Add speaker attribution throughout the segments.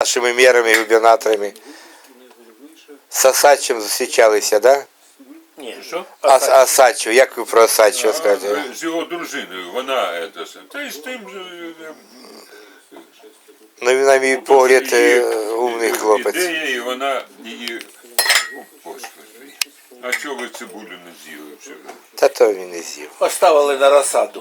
Speaker 1: нашими мерами, губернаторами. З Осадчим зустрічалися, так? Да?
Speaker 2: Ні, що?
Speaker 1: Осадчу, як ви про Осадчого скажете?
Speaker 3: З його дружиною, вона, та й з тим же,
Speaker 1: Ну, на мій погляд, умний хлопець.
Speaker 3: ідея, і вона її, о, Господи, а чого ви цибулю не з'їли вчора?
Speaker 1: Та то він не з'їв.
Speaker 2: Поставили на розсаду.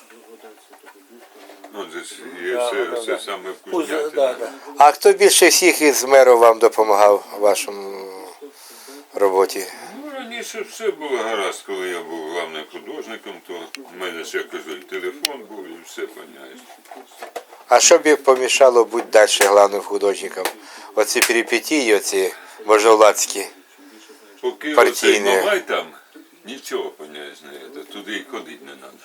Speaker 3: Ну, це саме вкусняте.
Speaker 2: Да.
Speaker 1: А хто більше всіх із мерів вам допомагав у вашому роботі?
Speaker 3: Ну, раніше все було гаразд, коли я був главним художником, то в мене, ще кажу, телефон був і все, поняєш.
Speaker 1: А що б помішало бути далі головним художником? Оці перипетії, оці можновладські.
Speaker 3: Поки
Speaker 1: Партійні.
Speaker 3: оцей Мамай там, нічого, поняєш, не є, туди і ходити не треба.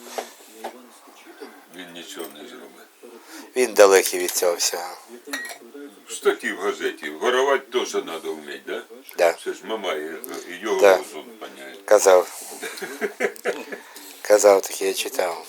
Speaker 3: Він нічого не зробить.
Speaker 1: Він далекий від цього всього.
Speaker 3: Статті в газеті, воровати теж треба вміти, да?
Speaker 1: Да.
Speaker 3: Це ж Мамай, і його
Speaker 1: Да.
Speaker 3: розум, поняєш.
Speaker 1: Казав таке, я читав.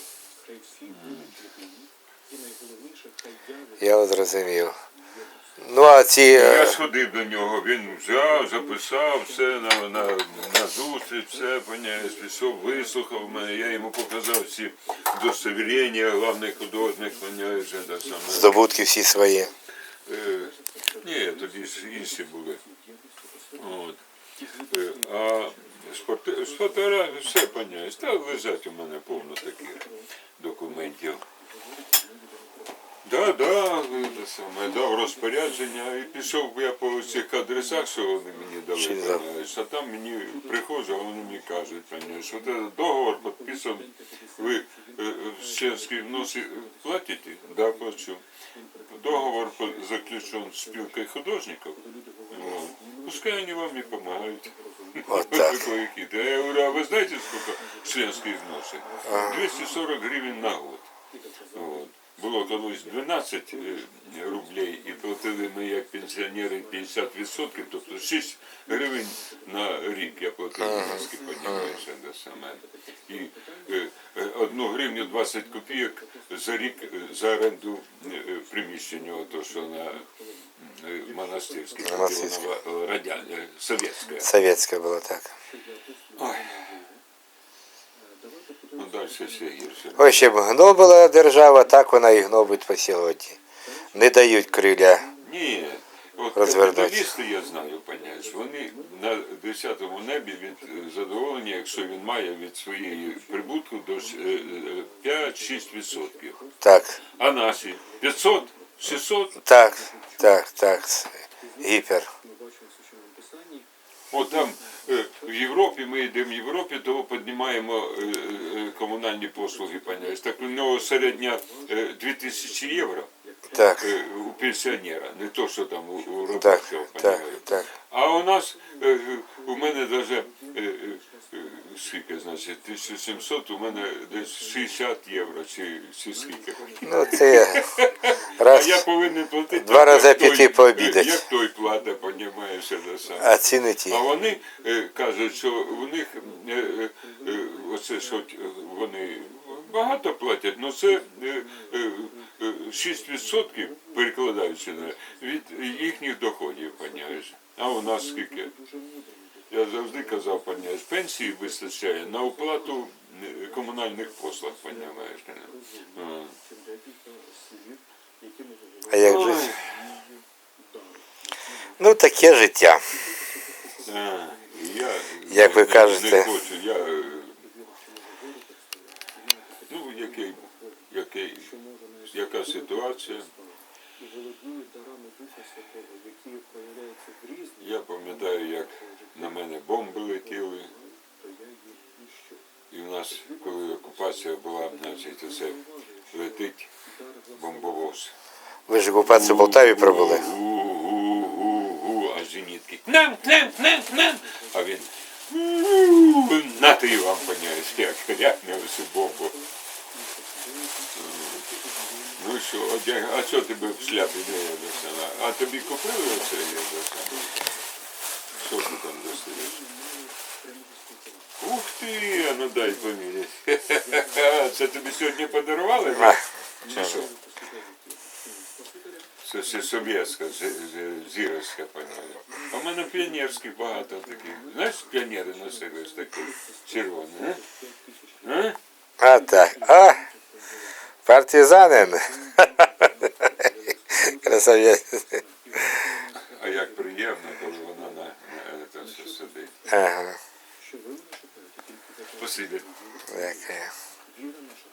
Speaker 1: Я от зрозумів. Ну, а ці...
Speaker 3: Я сходив до нього, він взяв, записав все на зустріч, все, поняєш, пішов, вислухав мене, я йому показав всі удостоверення, головний художник, поняєш, це саме.
Speaker 1: Здобутки всі свої.
Speaker 3: Ні, тоді ж інші були. От. А з фотографії все, поняєш, та лежать у мене повно таких документів. Да, дав розпорядження і пішов я по цих адресах, що вони мені дали, понимаєш, а там мені приходжу, а вони мені кажуть, понимаєш, що договор підписаний, ви членські взноси платите? Да, плачу. Договор заключен з спілкою художників, пускай вони вам і допомагають.
Speaker 1: Вот так.
Speaker 3: Я говорю, а ви знаєте, скільки членських взноси? 240 гривень на год. Вот. Було колись 12 рублей і платили ми як пенсіонери 50%, тобто 6 гривень на рік я платив маски, понімаєш, це саме. І 1 гривню 20 копійок за рік за оренду приміщення, то що на монастирській, совєтська.
Speaker 1: Совєтська була, так.
Speaker 3: Ой. Ну, далі все гірше.
Speaker 1: Ось ще б гнобила держава, так вона і гнобить по сьогодні. Не дають криля.
Speaker 3: Ні, от
Speaker 1: розвернуть.
Speaker 3: капіталісти, я знаю, поняєш, вони на 10-му небі від задоволення, якщо він має від своєї прибутку до 5-6%.
Speaker 1: Так,
Speaker 3: А наші 500, 600,
Speaker 1: так, гіпер.
Speaker 3: от там в Європі, ми йдемо в Європі, то піднімаємо комунальні послуги, поняєш. Так у нього середня 2000 євро.
Speaker 1: Так,
Speaker 3: У пенсіонера, не то, що там у
Speaker 1: так,
Speaker 3: робочого,
Speaker 1: так.
Speaker 3: А у нас, у мене навіть, скільки, значить, 1700, у мене десь 60 євро, чи скільки.
Speaker 1: Ну, це
Speaker 3: А
Speaker 1: раз,
Speaker 3: я повинен платити,
Speaker 1: два рази
Speaker 3: як
Speaker 1: піти
Speaker 3: той,
Speaker 1: пообідати.
Speaker 3: як той плата, понімаєш, це саме.
Speaker 1: А ціни ті.
Speaker 3: А вони кажуть, що у них, оце, що вони багато платять, але це 6% перекладаючи від їхніх доходів, поняєш. А у нас скільки? Я завжди казав, поняєш, пенсії вистачає на оплату комунальних послуг, поняєш.
Speaker 1: А як жити? Ну, таке життя. Як ви кажете.
Speaker 3: Не хочу, ну, яка ситуація? Я пам'ятаю, як на мене бомби летіли. І в нас, коли окупація була, значить, оце летить бомбовоз.
Speaker 1: Ви ж окупацію в Полтаві пробули?
Speaker 3: А зенітки. Нам. А він на ти вам, поняєш, як рякне усю бомбу. Ну що, а що тебе в шляпі не є до села? А тобі купили оце є до села? Що ти там достаєш? Ух ти, а ну дай поміряти. Це тобі сьогодні подарували? Чи що? Це ще совєтська, зіровська паняля. А в мене піонерських багато таких. Знаєш, піонери носили ось такі червоні, а?
Speaker 1: А так. А! Партизанин. Красавець.
Speaker 3: А як приємно, коли вона на це все сидить.
Speaker 1: Ага.
Speaker 3: Спасибі.
Speaker 1: Дякую.